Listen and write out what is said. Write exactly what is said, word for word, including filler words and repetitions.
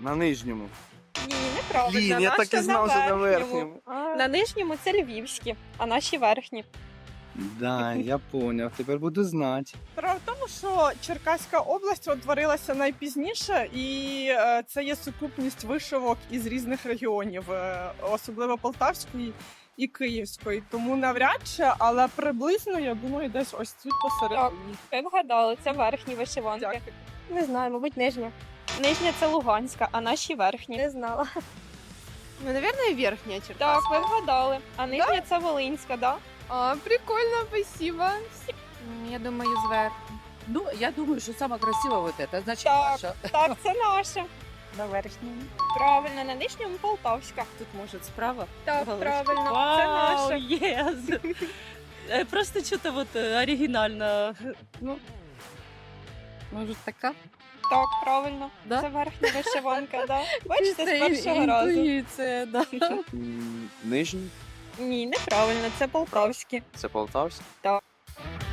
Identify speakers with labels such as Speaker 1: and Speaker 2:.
Speaker 1: На нижньому.
Speaker 2: Ні, неправильно.
Speaker 1: Блін, я
Speaker 2: Наша
Speaker 1: так і знав, що на верхньому.
Speaker 2: На нижньому це львівські, а наші верхні.
Speaker 1: Да, я поняв, тепер буду знати.
Speaker 3: Справа в тому, що Черкаська область утворилася найпізніше, і е, це є сукупність вишивок із різних регіонів, е, особливо Полтавської і Київської. Тому навряд чи, але приблизно, я думаю, десь ось тут посередині.
Speaker 2: Ви вгадали, це верхні вишиванки.
Speaker 3: Дякую.
Speaker 2: Не знаю, мабуть, нижня. Нижня це Луганська, а наші верхні. Не знала.
Speaker 4: Ну, наверное, верхняя черта.
Speaker 2: Так, ви вгадали. А нижня це Волинська, да?
Speaker 4: А, прикольно, спасибо.
Speaker 5: Я думаю, зверху.
Speaker 6: Ну, я думаю, что самое красивое вот это, значит,
Speaker 2: Так.
Speaker 6: наша.
Speaker 2: Так, це наша.
Speaker 5: На верхньому.
Speaker 2: Правильно, на нижньому Полтавська.
Speaker 6: Тут, может, справа?
Speaker 2: Так,
Speaker 6: Галочка.
Speaker 2: правильно, це
Speaker 6: Вау,
Speaker 2: наша.
Speaker 6: yes. Э, Просто что-то вот э, оригинально. Ну, может, така?
Speaker 2: Так, правильно.
Speaker 6: Да?
Speaker 2: Це верхня вишиванка, да. Бачите, з першого
Speaker 6: Чисто
Speaker 2: разу.
Speaker 6: інтуїція, да.
Speaker 1: М, Нижній?
Speaker 2: Ні, неправильно, це Полтавські.
Speaker 1: Це Полтавський?
Speaker 2: Так.